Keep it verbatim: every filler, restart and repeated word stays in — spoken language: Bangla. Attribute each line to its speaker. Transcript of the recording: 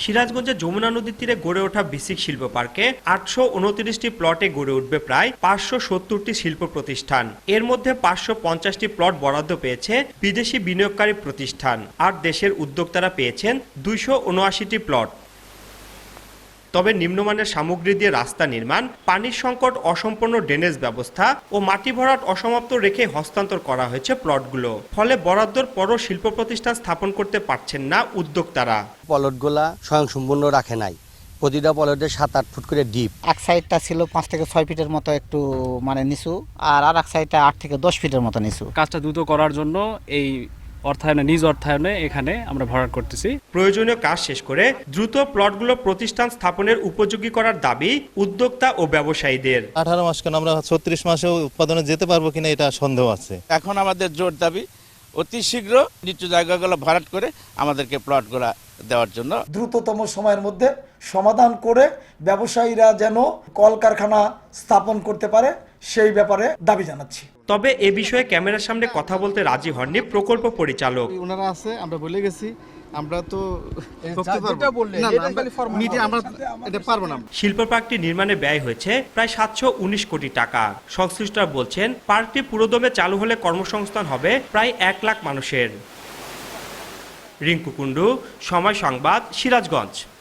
Speaker 1: সিরাজগঞ্জের যমুনা নদীর তীরে গড়ে ওঠা বিসিক শিল্প পার্কে আটশো উনত্রিশটি প্লটে গড়ে উঠবে প্রায় পাঁচশো সত্তরটি শিল্প প্রতিষ্ঠান। এর মধ্যে পাঁচশো পঞ্চাশটি প্লট বরাদ্দ পেয়েছে বিদেশি বিনিয়োগকারী প্রতিষ্ঠান, আর দেশের উদ্যোক্তারা পেয়েছেন দুইশো উনআশিটি প্লট। তবে নিম্নমানের সামগ্রী দিয়ে রাস্তা নির্মাণ, পানির সংকট, অসম্পূর্ণ ড্রেনেজ ব্যবস্থা ও মাটি ভরাট অসমাপ্ত রেখে হস্তান্তর করা হয়েছে প্লটগুলো। ফলে বরাদ্দর পরও শিল্প প্রতিষ্ঠান স্থাপন করতে পারছেন না উদ্যোক্তারা।
Speaker 2: প্লটগুলা স্বয়ংসম্পূর্ণ রাখে নাই, প্রতিটা প্লটে সাত আট ফুট করে ডিপ।
Speaker 3: এক সাইডটা ছিল পাঁচ থেকে ছয় ফিটের মতো একটু মানে নিচু, আর আর এক সাইডটা আট থেকে দশ ফিটের মতো নিচু।
Speaker 4: কাজটা দ্রুত করার জন্য এই অর্থায়নে নিজ অর্থায়নে এখানে আমরা ভরাট করতেছি।
Speaker 1: প্রয়োজনীয় কাজ শেষ করে দ্রুত প্লটগুলো প্রতিষ্ঠান স্থাপনের উপযোগী করার দাবি উদ্যোক্তা ও ব্যবসায়ীদের।
Speaker 5: আঠারো মাস কেন, আমরা ছত্রিশ মাসেও উৎপাদনে যেতে পারবো কিনা এটা সন্দেহ আছে।
Speaker 6: এখন আমাদের জোর দাবি অতি শীঘ্র নিচু জায়গাগুলো ভরাট করে আমাদেরকে প্লটগুলো দেওয়ার জন্য
Speaker 7: দ্রুততম সময়ের মধ্যে সমাধান করে ব্যবসায়ীরা যেন কলকারখানা স্থাপন করতে পারে সেই ব্যাপারে দাবি জানাচ্ছি।
Speaker 1: তবে এ বিষয়ে ক্যামেরার সামনে কথা বলতে রাজি হননি প্রকল্প পরিচালক।
Speaker 8: ওনারা আছে, আমরা বলে গেছি, আমরা তো
Speaker 1: শিল্প পার্কটি নির্মাণে ব্যয় হয়েছে প্রায় সাতশো উনিশ কোটি টাকা। সংশ্লিষ্টরা বলছেন পার্কটি পুরোদমে চালু হলে কর্মসংস্থান হবে প্রায় এক লাখ মানুষের। রিঙ্কু কুণ্ডু, সময় সংবাদ, সিরাজগঞ্জ।